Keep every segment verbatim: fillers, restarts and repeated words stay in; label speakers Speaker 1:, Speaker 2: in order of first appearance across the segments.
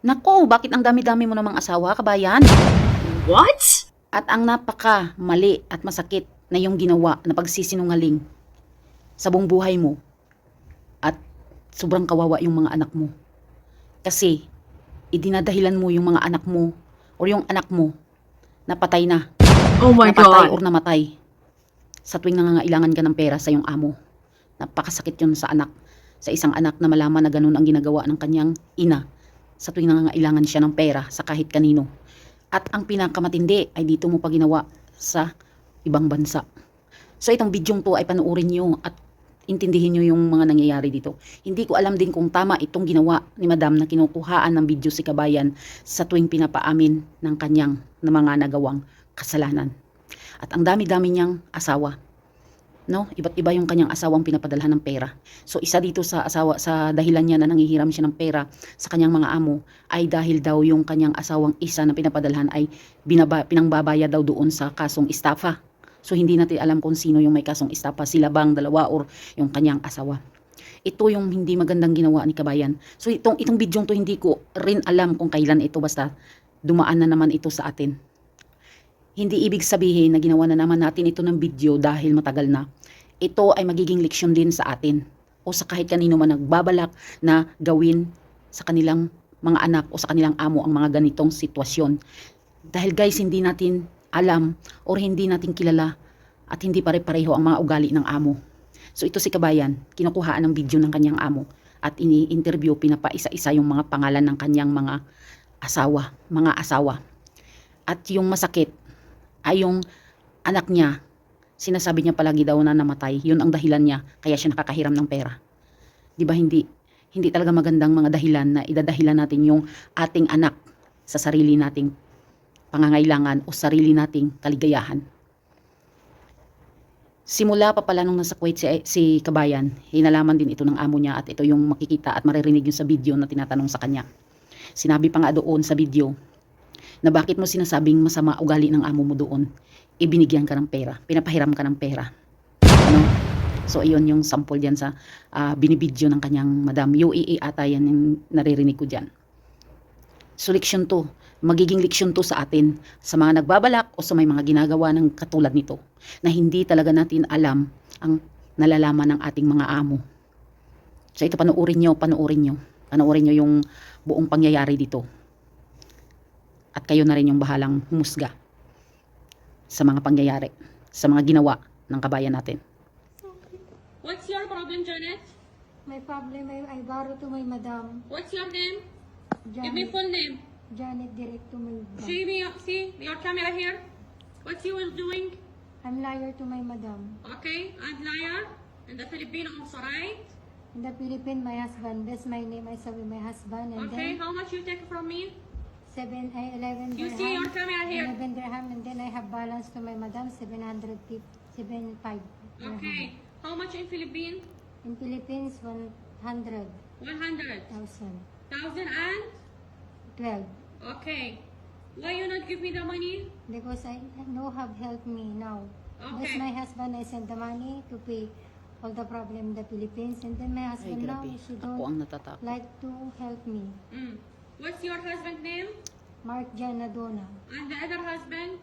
Speaker 1: Nako, bakit ang dami-dami mo namang asawa, kabayan?
Speaker 2: What?
Speaker 1: At ang napaka mali at masakit na yung ginawa na pagsisinungaling sa buong buhay mo at sobrang kawawa yung mga anak mo. Kasi idinadahilan mo yung mga anak mo o yung anak mo na patay na,
Speaker 2: Oh my
Speaker 1: napatay or
Speaker 2: god.
Speaker 1: namatay sa tuwing nangangailangan ka ng pera sa iyong amo. Napakasakit yun sa anak, sa isang anak na malaman na ganun ang ginagawa ng kanyang ina sa tuwing nangangailangan siya ng pera sa kahit kanino. At ang pinakamatindi ay dito mo pa ginawa sa ibang bansa. So itong bidyong to ay panuorin nyo at intindihin nyo yung mga nangyayari dito. Hindi ko alam din kung tama itong ginawa ni Madam na kinukuhaan ng video si Kabayan sa tuwing pinapaamin ng kanyang na mga nagawang kasalanan. At ang dami-dami niyang asawa. No, iba't iba yung kanyang asawang pinapadalhan ng pera. So isa dito sa asawa sa dahilan niya na nanghihiram siya ng pera sa kanyang mga amo ay dahil daw yung kanyang asawang isa na pinapadalhan ay binaba, pinangbabaya daw doon sa kasong estafa. So hindi natin alam kung sino yung may kasong estafa, sila bang dalawa or yung kanyang asawa. Ito yung hindi magandang ginawa ni Kabayan. So itong itong bidyong to hindi ko rin alam kung kailan ito, basta dumaan na naman ito sa atin. Hindi ibig sabihin na ginawa na naman natin ito ng video dahil matagal na. Ito ay magiging leksyon din sa atin o sa kahit kanino man nagbabalak na gawin sa kanilang mga anak o sa kanilang amo ang mga ganitong sitwasyon. Dahil guys, hindi natin alam or hindi natin kilala at hindi pare-pareho ang mga ugali ng amo. So ito si Kabayan, kinukuhaan ng video ng kanyang amo at ini-interview, pinapaisa-isa yung mga pangalan ng kanyang mga asawa, mga asawa. At yung masakit ay yung anak niya, sinasabi niya palagi daw na namatay. Yun ang dahilan niya, kaya siya nakakahiram ng pera. Di ba hindi, hindi talaga magandang mga dahilan na idadahilan natin yung ating anak sa sarili nating pangangailangan o sarili nating kaligayahan. Simula pa pala nung nasa Kuwait si, si Kabayan, hinalaman din ito ng amo niya at ito yung makikita at maririnig yung sa video na tinatanong sa kanya. Sinabi pa nga doon sa video, na bakit mo sinasabing masama ugali ng amo mo doon, ibinigyan ka ng pera, pinapahiram ka ng pera. Ano? So, iyon yung sample diyan sa uh, binibidyo ng kanyang Madam. U A A ata yan yung naririnig ko dyan. So, leksyon to. Magiging leksyon to sa atin, sa mga nagbabalak o sa may mga ginagawa ng katulad nito, na hindi talaga natin alam ang nalalaman ng ating mga amo. So, ito panuorin nyo, panuorin nyo. Panuorin nyo yung buong pangyayari dito. At kayo na rin yung bahalang humusga sa mga pangyayari, sa mga ginawa ng kabayan natin.
Speaker 3: What's your problem, Janet?
Speaker 4: My problem, I, I borrow to my madam.
Speaker 3: What's your name?
Speaker 4: Janet,
Speaker 3: Give me full name.
Speaker 4: Janet direct to my bank.
Speaker 3: See me, see your camera here. What you will doing?
Speaker 4: I'm liar to my madam.
Speaker 3: Okay, and liar. In the Filipino also, right?
Speaker 4: In the Philippines, my husband. That's my name. I saw with my husband. And
Speaker 3: Okay,
Speaker 4: then
Speaker 3: how much you take from me?
Speaker 4: seven, I, eleven
Speaker 3: You
Speaker 4: dirham.
Speaker 3: see your camera here.
Speaker 4: eleven dirham. And then I have balance to my madam, seven hundred fifty, seven five dirham.
Speaker 3: Okay, how much in Philippines?
Speaker 4: In Philippines, one hundred
Speaker 3: One hundred
Speaker 4: thousand.
Speaker 3: thousand and.
Speaker 4: twelve.
Speaker 3: Okay, why you not give me the money?
Speaker 4: Because I no have helped me now. That's
Speaker 3: Okay.
Speaker 4: my husband. I send the money to pay all the problem in the Philippines. And then
Speaker 1: Ay,
Speaker 4: my husband now,
Speaker 1: grabe.
Speaker 4: she
Speaker 1: Ako
Speaker 4: don't
Speaker 1: ang natatakot.
Speaker 4: like to help me.
Speaker 3: Mm. What's your husband name?
Speaker 4: Mark Janadona,
Speaker 3: And the other husband?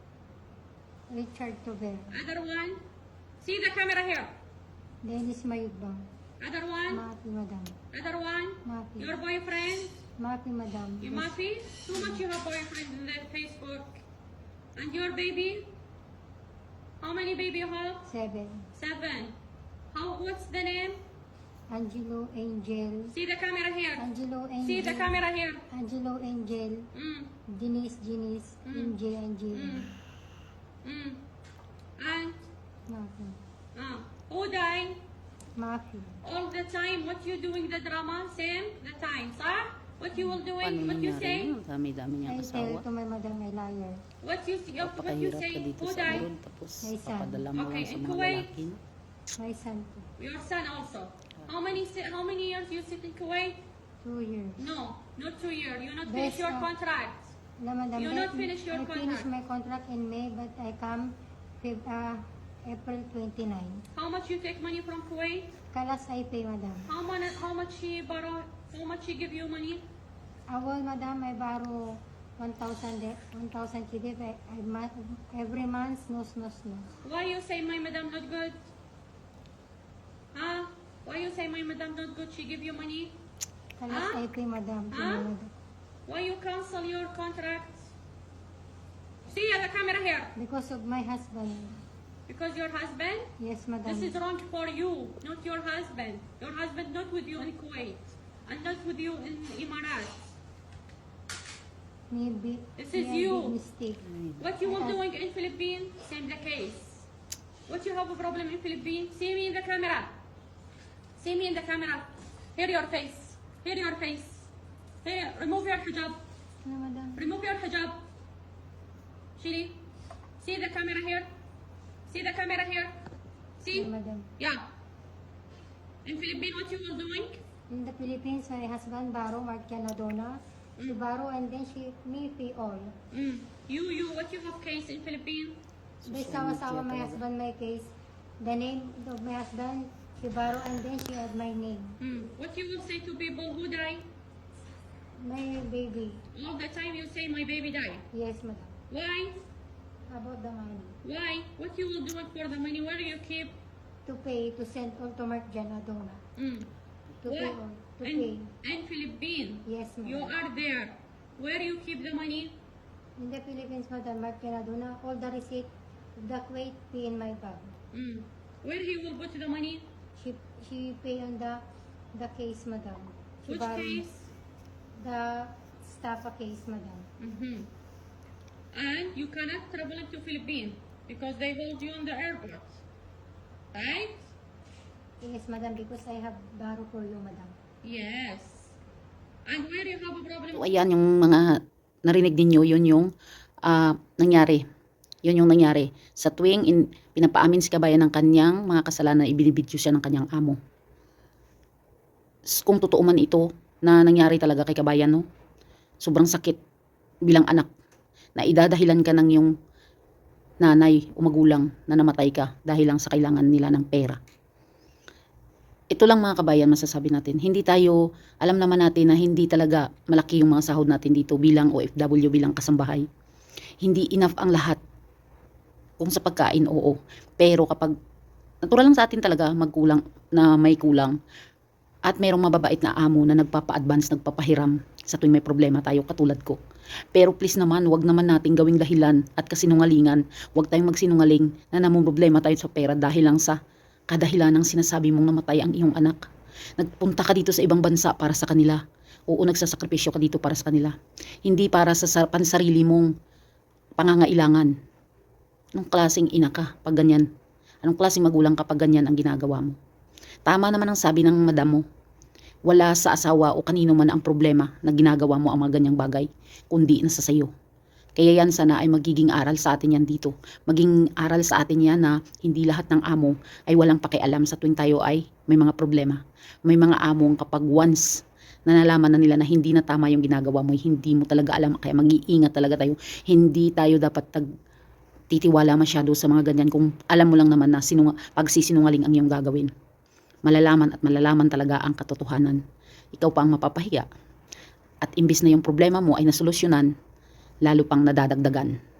Speaker 4: Richard Tover,
Speaker 3: Other one? See the camera here.
Speaker 4: Dennis Mayugbang,
Speaker 3: Other one?
Speaker 4: Mapi Madam,
Speaker 3: Other one?
Speaker 4: Mapi,
Speaker 3: Your boyfriend?
Speaker 4: Mapi Madam,
Speaker 3: You Mafi? Too much you have boyfriend in the Facebook. And your baby? How many baby you have?
Speaker 4: Seven,
Speaker 3: Seven. How, what's the name?
Speaker 4: Angelo Angel,
Speaker 3: See the camera here.
Speaker 4: Angelo
Speaker 3: See the
Speaker 4: Angel,
Speaker 3: camera here.
Speaker 4: Angelo Angel,
Speaker 3: Mm,
Speaker 4: Denise Denise,
Speaker 3: Mm.
Speaker 4: Angel Angel,
Speaker 3: mm, mm. And,
Speaker 4: Mapi,
Speaker 3: uh, who died?
Speaker 4: Mapi,
Speaker 3: All the time, what you doing the drama? Same, the time, sir? What you will doing?
Speaker 1: Paano
Speaker 3: What you
Speaker 1: nangyari
Speaker 3: say?
Speaker 1: yun? Dami-dami
Speaker 4: I
Speaker 1: niyang
Speaker 4: tell
Speaker 1: asawa.
Speaker 4: to my madam I liar.
Speaker 3: What you, what you
Speaker 1: Papakahirap
Speaker 3: say?
Speaker 1: ka dito
Speaker 3: Who
Speaker 1: sa
Speaker 3: died?
Speaker 1: abroad, tapos
Speaker 4: May son.
Speaker 1: papadala mo
Speaker 3: Okay,
Speaker 1: lang sa
Speaker 3: in
Speaker 1: mga
Speaker 3: Kuwait?
Speaker 1: lalaki. No?
Speaker 4: My son, po,
Speaker 3: Your son also. How many si- how many years you sit in Kuwait?
Speaker 4: two years.
Speaker 3: No, not two years. You not
Speaker 4: Best
Speaker 3: finish your
Speaker 4: of-
Speaker 3: contract.
Speaker 4: No, madam,
Speaker 3: You
Speaker 4: but
Speaker 3: not finish your
Speaker 4: I
Speaker 3: contract.
Speaker 4: finished my contract in May, but I come Feb, uh, April twenty-ninth.
Speaker 3: How much you take money from Kuwait?
Speaker 4: Kalas I pay, madam.
Speaker 3: How much how much she borrow? How much she give you money?
Speaker 4: Awal, madam, I borrow one thousand, one thousand K D P. I, ma- every month, no, no, no.
Speaker 3: Why you say my madam not good? Huh? Why you say my madam not good? She give you money?
Speaker 4: Kalas
Speaker 3: Ah?
Speaker 4: I pay, madam. to
Speaker 3: Ah?
Speaker 4: my madam.
Speaker 3: Why you cancel your contract? See at the camera here.
Speaker 4: Because of my husband.
Speaker 3: Because your husband?
Speaker 4: Yes, madam.
Speaker 3: This is wrong for you, not your husband. Your husband not with you in Kuwait and not with you in Emirates.
Speaker 4: Maybe.
Speaker 3: This is
Speaker 4: maybe
Speaker 3: you.
Speaker 4: Mistake.
Speaker 3: What you were doing in Philippines, same the case. What you have a problem in Philippines? See me in the camera. See me in the camera. Here your face. Here your face. Here, remove your hijab.
Speaker 4: No, madam.
Speaker 3: Remove your hijab. Shiri, see the camera here. See the camera here. See?
Speaker 4: No, madam.
Speaker 3: Yeah. In Philippines, what you were doing?
Speaker 4: In the Philippines, my husband borrow Mark Canadona. She borrow and then she me pay all.
Speaker 3: Mm. You, you, what you have case in Philippines?
Speaker 4: They sawa-sawa my husband my case. The name of my husband, she borrow and then she add my name.
Speaker 3: Mm. What you will say to people who die?
Speaker 4: My baby.
Speaker 3: All the time you say my baby died.
Speaker 4: Yes, madam.
Speaker 3: Why?
Speaker 4: About the money.
Speaker 3: Why? What you will do it for the money? Where do you keep?
Speaker 4: To pay, to send all to Mark Canadona.
Speaker 3: Mm.
Speaker 4: To pay
Speaker 3: What?
Speaker 4: all. To
Speaker 3: In,
Speaker 4: pay.
Speaker 3: in Philippines,
Speaker 4: Yes,
Speaker 3: you
Speaker 4: madam.
Speaker 3: are there. Where you keep the money?
Speaker 4: In the Philippines, madam, Mark Canadona, all the receipt of the Kuwait pay in my bag.
Speaker 3: Mm. Where he will put the money?
Speaker 4: She she pay on the the case, madam. She
Speaker 3: Which
Speaker 4: borrow
Speaker 3: case?
Speaker 4: The staff case, madam.
Speaker 3: Mm-hmm. And you cannot travel into Philippines because they hold you on the airport. Right?
Speaker 4: Yes, madam, because I have borrow for you, madam.
Speaker 3: Yes. And where you have a problem?
Speaker 1: So, ayan yung mga narinig ninyo, yun yung ah, nangyari. Yun yung nangyari. Sa tuwing in, pinapaamin si kabayan ng kanyang mga kasalanan, ibinibidyo siya ng kanyang amo. S- Kung totoo man ito na nangyari talaga kay kabayan, no? Sobrang sakit bilang anak na idadahilan ka ng yung nanay o magulang na namatay ka dahil lang sa kailangan nila ng pera. Ito lang mga kabayan masasabi natin. Hindi tayo, alam naman natin na hindi talaga malaki yung mga sahod natin dito bilang O F W, bilang kasambahay. Hindi enough ang lahat. Kung sa pagkain, oo. Pero kapag, natural lang sa atin talaga magkulang, na may kulang. At mayroong mababait na amo na nagpapa-advance, nagpapahiram sa tuwing may problema tayo katulad ko. Pero please naman, wag naman nating gawing dahilan at kasinungalingan. Wag tayong magsinungaling na namumroblema tayo sa pera dahil lang sa kadahilan ng sinasabi mong namatay ang iyong anak. Nagpunta ka dito sa ibang bansa para sa kanila. Oo, nagsasakripisyo ka dito para sa kanila. Hindi para sa sa- pansarili mong pangangailangan. Anong klaseng ina ka pag ganyan? Anong klaseng magulang ka pag ganyan ang ginagawa mo? Tama naman ang sabi ng madam mo. Wala sa asawa o kanino man ang problema na ginagawa mo ang mga ganyang bagay, kundi nasa sayo. Kaya yan sana ay magiging aral sa atin yan dito. Maging aral sa atin yan na hindi lahat ng amo ay walang pakialam sa tuwing tayo ay may mga problema. May mga among kapag once na nalaman na nila na hindi na tama yung ginagawa mo, hindi mo talaga alam, kaya mag-iingat talaga tayo. Hindi tayo dapat tag titiwala masyado sa mga ganyan kung alam mo lang naman na sinunga, pagsisinungaling ang iyong gagawin. Malalaman at malalaman talaga ang katotohanan. Ikaw pa ang mapapahiya. At imbis na yung problema mo ay nasolusyonan, lalo pang nadadagdagan.